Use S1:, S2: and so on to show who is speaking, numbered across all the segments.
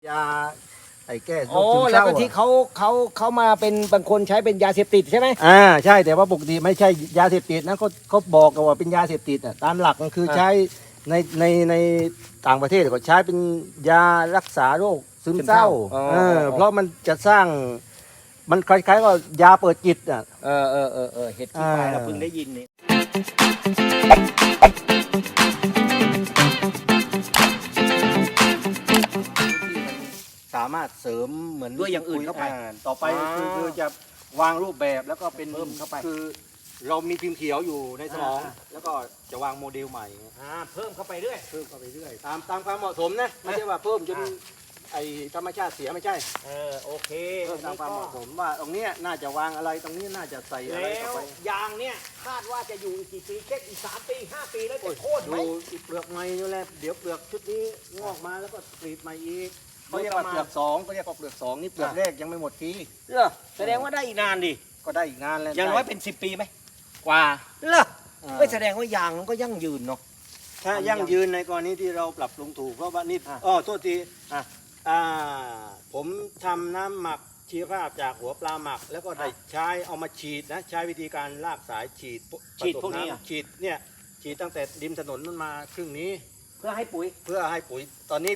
S1: ยาไอ้แก้โร
S2: โอ้
S1: คซึม
S2: แล้ว
S1: เศร้า
S2: ก็ที่เขามาเป็นบางคนใช้เป็นยาเสพติดใช่ไหม
S1: ใช่แต่ว่าปกติไม่ใช่ยาเสพติดนะเขาบอกกันว่าเป็นยาเสพติดตามหลักมันคือใช้ในต่างประเทศก็ใช้เป็นยารักษาโรคซึมเศร้าเพราะมันจะสร้างมันคล้ายๆกับยาเปิดจิต
S2: เห็ดขี้ควายเราเพิ่งได้ยินนี่
S1: สามารถเสริมเหมือน
S2: ด้วยอย่างอื่นเข้าไป
S1: ต่อไปคือจะวางรูปแบบแล้วก็เป็น
S2: เพิ่มเข้าไป
S1: คือเรามีพิมพ์เขียวอยู่ในสมองแล้วก็จะวางโมเดลใหม่
S2: เพิ่มเข้าไปเรื่อย
S1: เพิ่มเข้าไปเรื่อยตามความเหมาะสมนะไม่ใช่ว่าเพิ่มจนไอธรรมชาติเสียไม่ใช่
S2: โอเค
S1: เพิ่มตามความเหมาะสมว่าตรงเนี้ยน่าจะวางอะไรตรงนี้น่าจะใส่อะไร
S2: แล้
S1: ต่อ
S2: ว
S1: ไป
S2: ยางเนี่ยคาดว่าจะอยู่อีกกี่ปีแค่อีก3 ปี 5 ปีแล้วจะโค่นไหม
S1: ดูเปลือกใหม่นี่แหละเดี๋ยวเปลือกชุดนี้งอกมาแล้วก็กรีดใหม่อีกเขาเรียกว่าเปลือกสองเขาเรียกว่าเปลือกสองนี่เปลือกแรกยังไม่หมดที
S2: เหรอแสดงว่าได้อีกนานดิ
S1: ก็ได้อีกนานแล้ว
S2: อย่างน้อยเป็น10 ปีไหมกว่าเหรอไม่แสดงว่ายางมันก็ยั่งยืนเนาะ
S1: ถ้ายั่งยืนในกรณีที่เราปรับปรุงถูกเพราะว่านี่โทษทีผมทำน้ำหมักชีวภาพจากหัวปลาหมัก แล้วก็ได้ใช้เอามาฉีดนะใช้วิธีการลากสายฉีด
S2: พวกนี้
S1: ฉีดเนี่ยฉีดตั้งแต่ริมถนนนั่นมาครึ่งนี้
S2: เพื่อให้ปุ๋ย
S1: เพื่อให้ปุ๋ยตอนนี้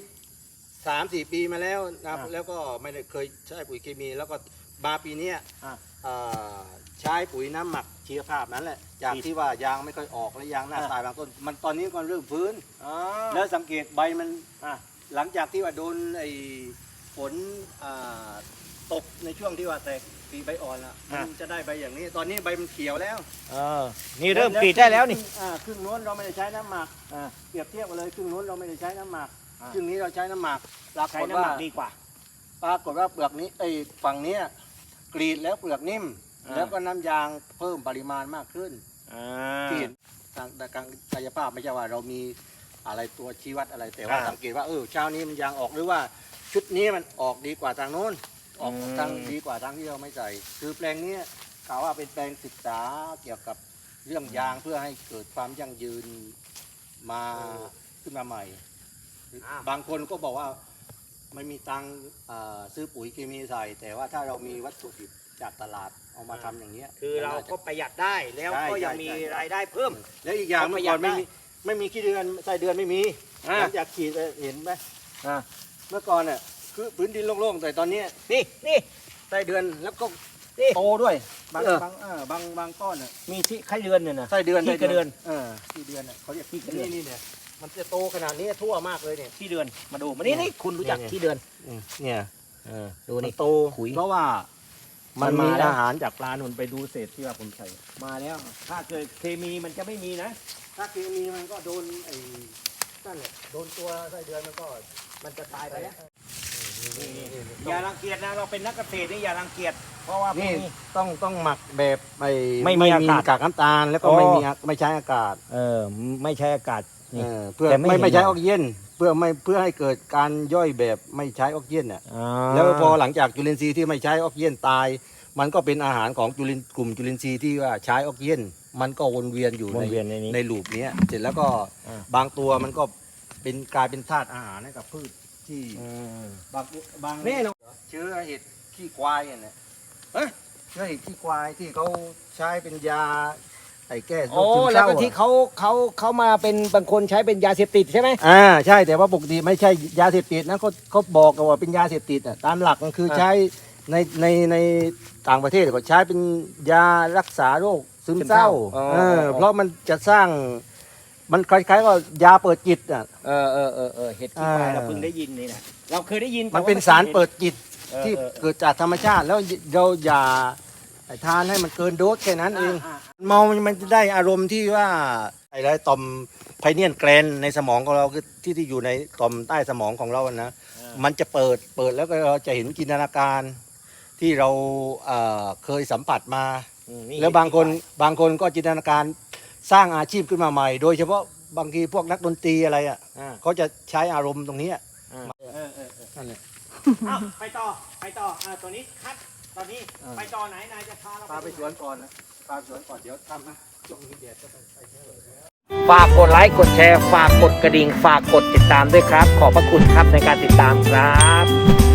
S1: 3-4 ปีมาแล้วนะ
S2: อ่า
S1: แล้วก็ไม่ได้เคยใช้ปุ๋ยเคมี แล้วก็มาปีเนี้ย
S2: อ่า
S1: ใช้ปุ๋ยน้ำหมักชีวภาพนั้นแหละจากที่ว่ายางไม่ค่อยออกและยางหน้าตายบางต้นมันตอนนี้ก็เริ่มฟื้น แล้วสังเกตใบมันหลังจากที่ว่าโดนไอ้ฝนตกในช่วงที่ว่าแตกปีใบอ่อนละมันจะได้ใบอย่างนี้ ตอนนี้ใบมันเขียวแล้ว
S2: นี่เริ่มกรีดได้แล้วนี่
S1: ครึ่งโน้นเราไม่ได้ใช้น้ำหมักเปรียบเทียบกันเลยครึ่งโน้นเราไม่ได้ใช้น้ำหมักครึ่งนี้เราใช้น้ำหมักปราก
S2: ใช้
S1: ฏ
S2: น้ำห
S1: ว่า
S2: มักดีกว่า
S1: ปรากฏว่าเปลือกนี้ไอ้ฝั่งเนี้ยกรีดแล้วเปลือกนิ่ม แล้วก็น้ำยางเพิ่มปริมาณมากขึ้นที่เห็นทางการกายภาพไม่ใช่ว่าเรามีอะไรตัวชี้วัดอะไรแต่ว่าสังเกตว่าเช้านี้มันยางออกหรือว่าชุดนี้มันออกดีกว่าทางโน้นออกทางดีกว่าทางที่เราไม่ใส่คือแปลงนี้กล่าวว่าเป็นแปลงศึกษาเกี่ยวกับเรื่องยางเพื่อให้เกิดความยั่งยืนมาขึ้นมาใหม่ บางคนก็บอกว่าไม่มีตังค์ซื้อปุ๋ยเคมีใส่ แต่ว่าถ้าเรามีวัตถุดิบจากตลาดเอามาทำอย่างเนี้ย
S2: คือเราก็ประหยัดได้แล้วก็ยังมีรายได้เพิ่ม
S1: แล้วอีกอย่างเมื่อก่อนไม่มีขี้เดือนไส้เดือนไม่มีหลังจากขีดเห็นไหมเมื่อก่อนเนี่ยคือพื้นดินโล่งๆแต่ตอนนี้
S2: นี่
S1: ไส้เดือนแล้วก็
S2: นี่
S1: โตด้วยบางก้อนน่ะ
S2: มีที่ไข่เดือนเนี่ยนะ
S1: ไส้เดือน
S2: ขี้กระเดือน
S1: ขี้เดือนน่ะเขาเรียก
S2: ขี้กระเดือน
S1: นี่เนี่ยมันจะโตขนาดนี้ทั่วมากเลยเนี่ย
S2: ขี้เดือนมาดูมานี่คุณรู้จักขี้เดือน
S1: เนี่ย
S2: ดู
S1: มัน
S2: นี่
S1: โต
S2: ขุย
S1: เพราะว่ามัน
S2: มัน
S1: มี
S2: มาแล้ว
S1: อาหารจากปลาหนุนไปดูเศษที่ว่าผมใส่
S2: มาแล้ว ถ้าเกิดเคมีมันจะไม่มีนะ
S1: ถ้าเคมีมันก็โดนไอ้นั่นแหละโดนตัวไส้เดือนมันจะตายไปแล้ว
S2: อย่ารังเกียจนะเราเป็นนักเกษตรนี่อย่ารังเกียจเพราะว่าพว
S1: นี่
S2: กนี้
S1: ต้องหมักแบบ
S2: ไม่มี
S1: ไม่
S2: อากาศ
S1: กากน้ำตาลแล้วก็
S2: อ๋อ
S1: ไม่ใช้อากาศ
S2: ไม่ใช้อากาศนี่
S1: เพื่อ
S2: แต่ไม่
S1: ไม่ใช้
S2: เห็น
S1: ออกซิเจนเพื่อให้เกิดการย่อยแบบไม่ใช้ออกซิเจนน่ะ
S2: อ่า
S1: แล้วพอหลังจากจุลินทรีย์ที่ไม่ใช้ออกซิเจนตาย มันก็เป็นอาหารของกลุ่มจุลินทรีย์ที่ว่าใช้ออกซิเจนมันก็วนเวียนอยู่
S2: วนเวียนในนี้
S1: ในลูปเนี้ยเสร็จแล้วก็
S2: อ่า
S1: บางตัวมันก็กลายเป็นธาตุอาหารให้กับพืชที่บาง
S2: แน่นอน
S1: เชื้อเห็ดขี้ควายเนี่ยเชื้อเห็ดขี้ควายที่เขาใช้เป็นยาไอ้แก้โร
S2: โอ้
S1: คซึม
S2: แล้
S1: เศ
S2: ว
S1: ร้า
S2: ก็ที่เขามาเป็นบางคนใช้เป็นยาเสพติดใช่ไหม
S1: ใช่แต่ว่าปกติไม่ใช่ยาเสพติดนะเขาบอกกันว่าเป็นยาเสพติดตามหลักมันคือใช้ในต่างประเทศก็ใช้เป็นยารักษาโรคซึมเศร้าเพราะมันจะสร้างมันคล้ายๆกับยาเปิดจิต
S2: เห็ดขี้ควายเราเพิ่งได้ยินนี่นะเราเคยได้ยิน
S1: มันเป็นสารเปิดจิตที่เกิดจากธรรมชาติแล้วเราอย่าทานให้มันเกินโดสแค่นั้นเองเมามันจะได้อารมณ์ที่ว่าไอ้ไรต่อมไพเนียนแกรนในสมองของเราคือที่อยู่ในต่อมใต้สมองของเรานะมันจะเปิดแล้วก็เราจะเห็นจินตนาการที่เราเคยสัมผัสมาแล้วบางคนก็จินตนาการสร้างอาชีพขึ้นมาใหม่ โดยเฉพาะบางทีพวกนักดนตรีอะไรเขาจะใช้อารมณ์ตรงนี้นั่นแหละ
S2: ไปต่อตัวนี้คัดตอนนี้ไปต่อไหนนายจะพาเรา
S1: พาไปสวนก่อนนะพาไปสวนก่อนเดี๋ยวทำนะช่วงนี้แดดก็ไปเที่ยว
S2: ฝากกดไลค์กดแชร์ฝากกดกระดิ่งฝากกดติดตามด้วยครับขอบพระคุณครับในการติดตามครับ